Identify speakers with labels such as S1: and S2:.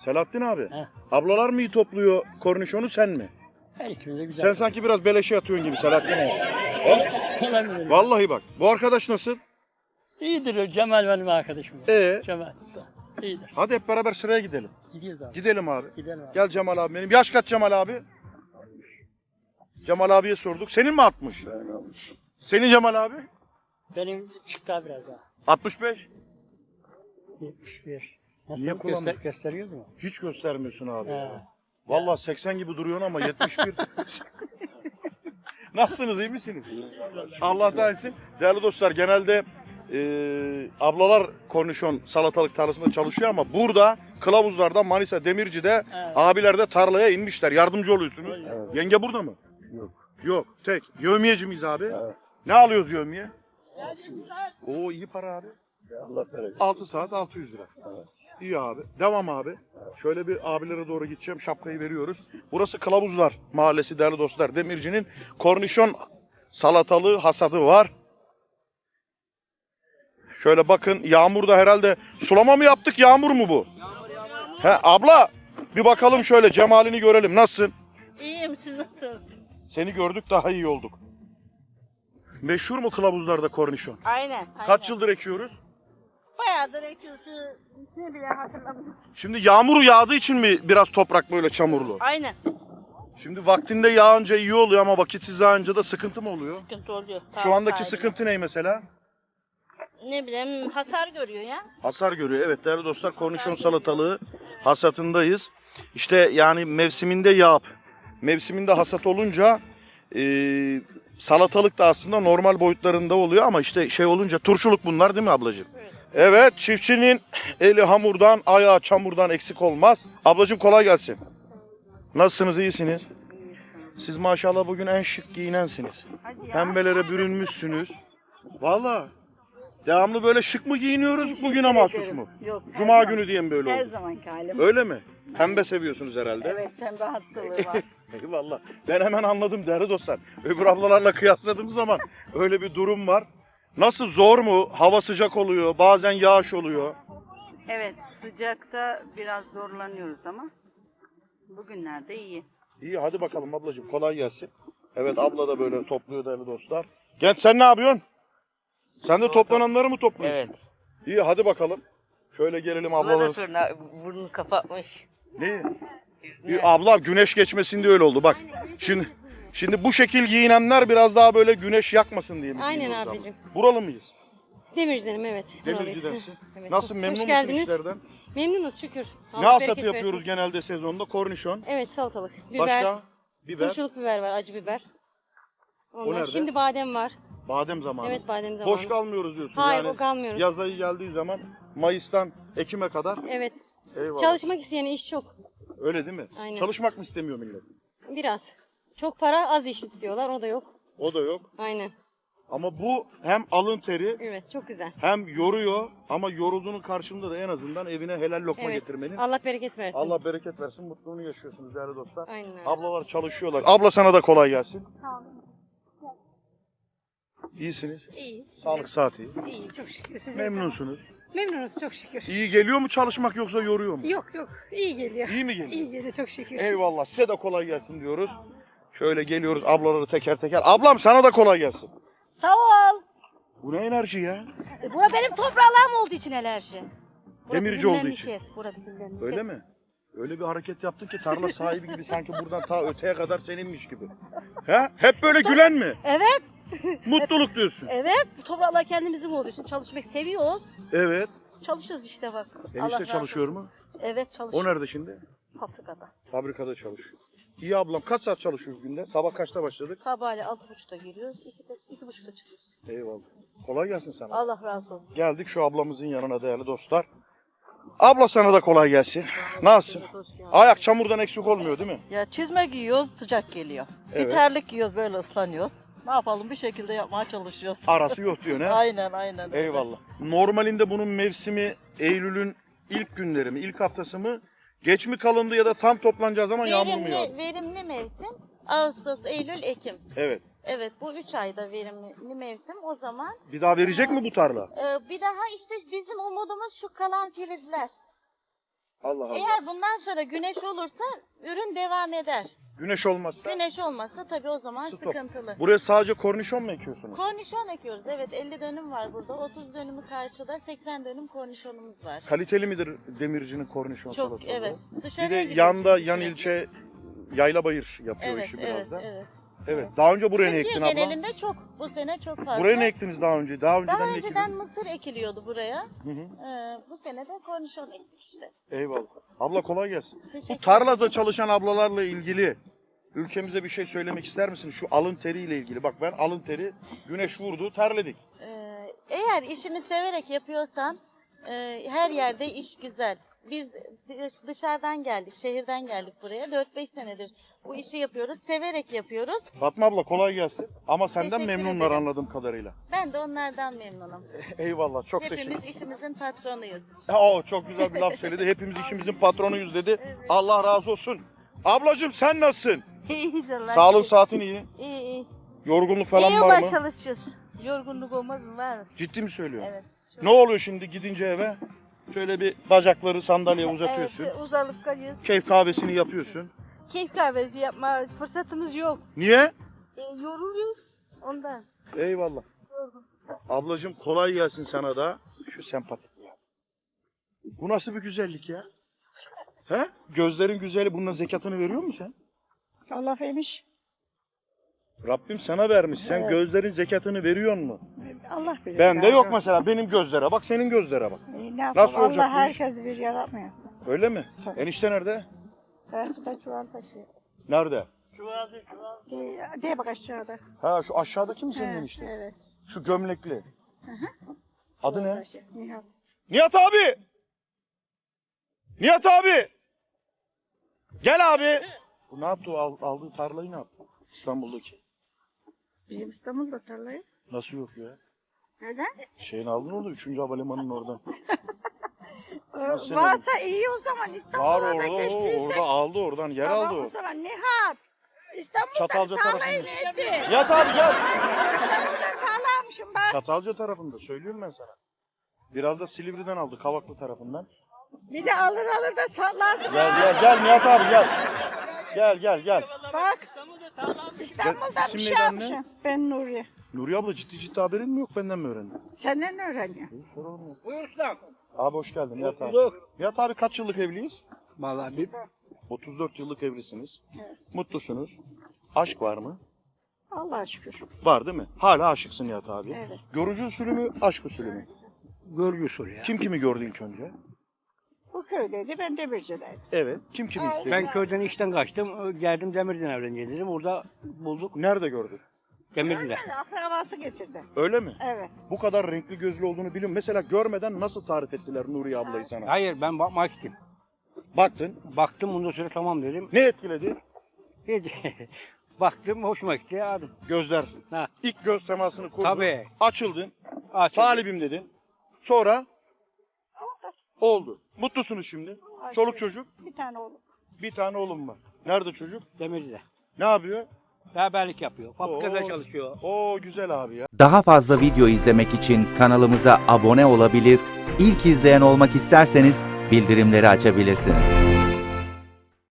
S1: Selahattin abi.
S2: He.
S1: Ablalar mı iyi topluyor kornişonu sen mi?
S2: Her ikimiz de güzel.
S1: Sen sanki biraz beleşe atıyorsun gibi Selahattin abi.
S2: Olabilir.
S1: Vallahi bak. Bu arkadaş nasıl?
S2: İyidir o Cemal benim arkadaşım. Cemal Usta. İyidir.
S1: Hadi hep beraber sıraya gidelim.
S2: Gidiyoruz abi.
S1: Gidelim abi.
S2: Gidelim abi.
S1: Gel Cemal abi benim. Yaş kaç Cemal abi? Cemal abiye sorduk. Senin mi 60? Senin Cemal abi?
S2: Benim çıktı biraz daha.
S1: 65.
S2: 71. Nasıl
S1: Niye kullanmıyor?
S2: gösteriyoruz mu?
S1: Hiç göstermiyorsun abi.
S2: He.
S1: Vallahi 80 gibi duruyorsun ama 71. Nasılsınız, iyi misiniz? Allah da etsin. Değerli dostlar, genelde ablalar kornişon salatalık tarlasında çalışıyor ama burada Kılavuzlar'da, Manisa, Demirci'de abiler de tarlaya inmişler. Yardımcı oluyorsunuz. Evet. Yenge burada mı?
S3: Yok.
S1: Yok, tek. Yevmiyeci miyiz abi? Evet. Ne alıyoruz yevmiye? Oo, iyi para abi.
S3: Allah bereket.
S1: 6 saat 600 lira.
S3: Evet.
S1: İyi abi. Devam abi. Şöyle bir abilere doğru gideceğim. Şapkayı veriyoruz. Burası Kılavuzlar Mahallesi değerli dostlar. Demirci'nin kornişon salatalığı hasadı var. Şöyle bakın, yağmur da herhalde. Sulama mı yaptık, yağmur mu bu? Yağmur. He abla, bir bakalım şöyle cemalini görelim. Nasılsın?
S4: İyiyim, siz nasılsınız?
S1: Seni gördük, daha iyi olduk. Meşhur mu Kılavuzlar'da kornişon?
S4: Aynen.
S1: Kaç yıldır ekiyoruz?
S4: Bayağıdır ekiyorsun. Ne bile hatırlamadım.
S1: Şimdi yağmur yağdığı için mi biraz toprak böyle çamurlu?
S4: Aynen.
S1: Şimdi vaktinde yağınca iyi oluyor ama vakitsiz yağınca da sıkıntı mı oluyor?
S4: Sıkıntı oluyor.
S1: Şu andaki sıkıntı ne mesela?
S4: Ne bileyim, hasar görüyor ya.
S1: Hasar görüyor. Evet değerli dostlar, kornişon salatalığı hasatındayız. İşte yani mevsiminde yağıp mevsiminde hasat olunca salatalık da aslında normal boyutlarında oluyor ama işte şey olunca turşuluk bunlar değil mi ablacığım? Evet, çiftçinin eli hamurdan, ayağı çamurdan eksik olmaz. Ablacığım kolay gelsin. Nasılsınız, iyisiniz? Siz maşallah bugün en şık giyinensiniz. Pembelere bürünmüşsünüz. Vallahi devamlı böyle şık mı giyiniyoruz, bugüne mahsus mu?
S5: Yok.
S1: Cuma günü diye mi böyle
S5: Her
S1: oldu?
S5: zamanki halim.
S1: Öyle mi? Pembe seviyorsunuz herhalde.
S5: Evet, pembe hastalığı var.
S1: Eyvallah. Ben hemen anladım değerli dostlar. Öbür ablalarla kıyasladığım zaman öyle bir durum var. Nasıl, zor mu? Hava sıcak oluyor, bazen yağış oluyor.
S5: Evet, sıcakta biraz zorlanıyoruz ama bugünlerde iyi.
S1: İyi, hadi bakalım ablacığım, kolay gelsin. Evet, abla da böyle topluyor değerli dostlar. Genç, sen ne yapıyorsun? Sen de toplananları mı topluyorsun?
S6: Evet.
S1: İyi, hadi bakalım. Şöyle gelelim
S6: Buna da
S1: ablalar.
S6: sonra burnunu kapatmış.
S1: Ne? Abla güneş geçmesinde öyle oldu bak. Şimdi bu şekil giyinenler biraz daha böyle güneş yakmasın diye mi
S7: Aynen
S1: giyiniyoruz abla?
S7: abicim.
S1: Buralı mıyız?
S7: Demirci'denim evet.
S1: Demirci'densin.
S7: Evet,
S1: Nasıl,
S7: hoş
S1: memnun musun
S7: geldiniz.
S1: işlerden?
S7: Memnunuz şükür.
S1: Ne
S7: Allah
S1: hasatı
S7: bereket
S1: yapıyoruz
S7: versin.
S1: genelde sezonda? Kornişon.
S7: Evet, salatalık, biber,
S1: Başka? Biber.
S7: turşuluk biber var, acı biber.
S1: nerede?
S7: Şimdi badem var.
S1: Badem zamanı.
S7: Evet, badem zamanı.
S1: Boş kalmıyoruz diyorsun.
S7: Hayır,
S1: yani
S7: kalmıyoruz.
S1: Yaz ayı geldiği zaman Mayıs'tan Ekim'e kadar.
S7: Evet.
S1: Eyvallah.
S7: Çalışmak isteyen iş çok.
S1: Öyle değil mi?
S7: Aynen.
S1: Çalışmak mı istemiyor millet?
S7: Biraz. Çok para, az iş istiyorlar. O da yok.
S1: O da yok.
S7: Aynen.
S1: Ama bu hem alın teri
S7: Evet, çok güzel.
S1: hem yoruyor ama yorulduğunun karşılığında da en azından evine helal lokma
S7: Evet.
S1: getirmenin.
S7: Allah bereket versin.
S1: Allah bereket versin, mutluluğunu yaşıyorsunuz değerli dostlar.
S7: Aynen öyle.
S1: Ablalar çalışıyorlar. Abla sana da kolay gelsin. İyisiniz.
S7: İyiyiz.
S1: Sağlık saati.
S7: İyi, çok şükür. Siz
S1: Memnunsunuz.
S7: Memnunuz çok şükür.
S1: İyi geliyor mu çalışmak yoksa yoruyor mu?
S7: Yok yok, iyi geliyor.
S1: İyi mi geliyor?
S7: İyi geliyor, çok şükür.
S1: Eyvallah. Size de kolay gelsin diyoruz. Şöyle geliyoruz ablaları teker teker. Ablam sana da kolay gelsin.
S8: Sağ ol.
S1: Bu ne enerji ya?
S8: Bu benim toprağım olduğu için enerji. Bura
S1: Demirci
S8: bizim
S1: olduğu için.
S8: memleket, bura bizim memleket.
S1: Öyle mi? Öyle bir hareket yaptın ki tarla sahibi gibi, sanki buradan ta öteye kadar seninmiş gibi. He? Hep böyle gülen mi?
S8: Evet,
S1: Mutluluk diyorsun.
S8: evet. Bu topraklar kendimizin olduğu için çalışmak seviyoruz.
S1: Evet.
S8: Çalışıyoruz işte bak. Allah
S1: Enişte
S8: razı
S1: çalışıyor
S8: olsun.
S1: mu?
S8: Evet,
S1: O
S8: çalışıyor.
S1: nerede şimdi?
S8: Fabrikada.
S1: Fabrikada çalışıyor. İyi ablam, kaç saat çalışıyoruz günde? Sabah kaçta başladık?
S8: Sabahleyin 6.30'da giriyoruz, 2.30'da çıkıyoruz.
S1: Eyvallah. Kolay gelsin sana.
S8: Allah razı olsun.
S1: Geldik şu ablamızın yanına değerli dostlar. Abla sana da kolay gelsin. Nasılsın? Ayak çamurdan eksik olmuyor değil mi?
S9: Ya çizme giyiyoruz, sıcak geliyor.
S1: Evet.
S9: Bir terlik giyiyoruz, böyle ıslanıyoruz. Ne yapalım, bir şekilde yapmaya çalışıyoruz.
S1: Arası yok diyor ne?
S9: Aynen aynen. öyle.
S1: Eyvallah. Normalinde bunun mevsimi Eylül'ün ilk günleri mi, ilk haftası mı? Geç mi kalındı ya da tam toplanacağı zaman yağmur mu yağdı?
S4: Verimli mevsim Ağustos, Eylül, Ekim.
S1: Evet.
S4: Evet, bu 3 ayda verimli mevsim. O zaman
S1: Bir daha verecek mi bu tarla?
S4: bir daha işte bizim umudumuz şu kalan filizler.
S1: Allah Allah.
S4: Eğer bundan sonra güneş olursa ürün devam eder.
S1: Güneş olmazsa
S4: Güneş olmazsa tabii o zaman
S1: stop.
S4: sıkıntılı.
S1: Buraya sadece kornişon mu ekiyorsunuz?
S4: Kornişon ekiyoruz. Evet 50 dönüm var burada. 30 dönümü karşıda 80 dönüm kornişonumuz var.
S1: Kaliteli midir demircinin kornişon
S4: Çok
S1: salatalığı?
S4: evet.
S1: Bir
S4: Dışarıya
S1: de
S4: gidiyor
S1: yanda
S4: çünkü
S1: yan
S4: sürekli.
S1: ilçe Yaylabayır yapıyor
S4: Evet,
S1: işi biraz
S4: evet,
S1: da.
S4: evet.
S1: Evet. Daha önce buraya ne
S4: Türkiye
S1: ektin abla?
S4: genelinde çok. Bu sene çok fazla.
S1: Buraya ne ektiniz daha önce? Daha önceden
S4: Daha
S1: ne
S4: önceden
S1: ekildiniz?
S4: mısır ekiliyordu buraya.
S1: Hı hı.
S4: Bu sene de kornişon ektik işte.
S1: Eyvallah. Abla kolay gelsin.
S4: Teşekkür
S1: Bu tarlada çalışan ablalarla ilgili ülkemize bir şey söylemek ister misin? Şu alın teriyle ilgili. Bak ben alın teri, güneş vurdu, terledik.
S4: Eğer işini severek yapıyorsan her yerde iş güzel. Biz dışarıdan geldik, şehirden geldik buraya. 4-5 senedir bu işi yapıyoruz, severek yapıyoruz.
S1: Fatma abla kolay gelsin. Ama senden
S4: Teşekkür
S1: memnunlar
S4: ederim.
S1: anladığım kadarıyla.
S4: Ben de onlardan memnunum.
S1: Eyvallah. Çok
S4: Hepimiz
S1: teşekkür
S4: işimizin patronuyuz.
S1: Çok güzel bir laf söyledi. Hepimiz işimizin patronuyuz dedi. Allah razı olsun. Ablacığım sen nasılsın?
S8: İyiyiz Allah.
S1: Sağlığın saatin iyi.
S8: İyi iyi.
S1: Yorgunluk falan
S8: İyi
S1: var mı?
S8: çalışıyoruz. Yorgunluk olmaz mı? Var.
S1: Ciddi mi söylüyorsun?
S8: Evet.
S1: Ne oluyor şimdi gidince eve? Şöyle bir bacakları sandalyeye uzatıyorsun.
S8: Evet, uzanıp kalıyoruz.
S1: Keyif kahvesini yapıyorsun.
S8: Keyif kahvesi yapma fırsatımız yok.
S1: Niye?
S8: Yoruluyoruz ondan.
S1: Eyvallah. Ablacığım kolay gelsin sana da. Şu sempatik ya. Bu nasıl bir güzellik ya? He? Gözlerin güzeli, bunun zekatını veriyor musun sen?
S9: Allah vermiş.
S1: Rabbim sana vermiş. Sen gözlerin zekatını veriyor mu?
S9: Allah bilir.
S1: Bende yok mesela. Benim gözlere bak, senin gözlere bak.
S9: Ne yapalım?
S1: Nasıl olacak
S9: Allah
S1: bu iş?
S9: herkes bir yaratmıyor.
S1: Öyle mi? Enişte nerede?
S9: Karşıda çuval taşıyor.
S1: Nerede?
S9: Diye bak aşağıda.
S1: Ha şu aşağıdaki mi senin enişte?
S9: Evet.
S1: Şu gömlekli. Adı ne?
S9: Nihat.
S1: Nihat abi! Nihat abi! Gel abi! Bu ne yaptı? Aldığı tarlayı ne yaptı? İstanbul'daki.
S9: Bizim İstanbul'da tarlayı.
S1: Nasıl yok ya?
S9: Neden?
S1: Şeyini aldın orada 3. Havalimanı'nın oradan. Nasıl
S9: Varsa iyi o zaman
S1: Var
S9: İstanbul'a da
S1: orada,
S9: geçtiyse.
S1: orada aldı oradan, yer aldı
S9: Tamam
S1: o.
S9: o zaman Nihat. İstanbul'da
S1: Çatalca
S9: tarlayı
S1: tarafında.
S9: verdi.
S1: Nihat abi gel!
S9: İstanbul'da tarla almışım ben.
S1: Çatalca tarafında, söylüyorum ben sana. Biraz da Silivri'den aldı, Kavaklı tarafından.
S9: Bir de alır da sallarsın.
S1: Gel Nihat abi gel. Gel.
S9: Bak İstanbul'da
S1: İsim
S9: bir şey
S1: neydi anne?
S9: almışım. Ben Nuriye.
S1: Nuri abla ciddi haberin mi yok, benden mi öğrendin?
S9: Senden öğreniyor.
S1: Buyursun. Abi hoş geldin Nihat abi. Nihat abi kaç yıllık evliyiz?
S2: Vallahi bir
S1: 34 yıllık evlisiniz. Mutlusunuz. Aşk var mı?
S9: Allah'a şükür.
S1: Var değil mi? Hala aşıksın Nihat abi.
S9: Evet.
S1: Görücü usulü mü, aşk usulü mü?
S2: görgü usulü ya.
S1: Kim kimi gördü ilk önce?
S9: Bu köydeydi, ben Demirci'deydim.
S1: Evet. Kim kimi istedi?
S2: Ben köyden işten kaçtım. Geldim Demirci'den evleneceğim dedim. Orada bulduk
S1: Nerede gördün?
S2: Demirci'de.
S9: Akrabası getirdi.
S1: Öyle mi?
S9: Evet.
S1: Bu kadar renkli gözlü olduğunu biliyorum. Mesela görmeden nasıl tarif ettiler Nuriye ablayı sana?
S2: Hayır ben bakmak istedim.
S1: Baktın.
S2: Baktım ondan sonra tamam dedim.
S1: Ne etkiledi?
S2: Hiç baktım hoşuma gitti aldım.
S1: Gözler.
S2: Ha.
S1: İlk göz temasını kurdun.
S2: Tabii.
S1: Açıldın.
S2: Açıldı.
S1: Talibim dedin. Sonra oldu. Mutlusunuz şimdi. Çoluk çocuk.
S9: Bir tane oğlum.
S1: Bir tane oğlum var. Nerede çocuk?
S2: Demirci'de.
S1: Ne yapıyor?
S2: Berberlik yapıyor. Fabrikada
S1: Oo.
S2: çalışıyor.
S1: Oo güzel abi ya.
S3: Daha fazla video izlemek için kanalımıza abone olabilir, ilk izleyen olmak isterseniz bildirimleri açabilirsiniz.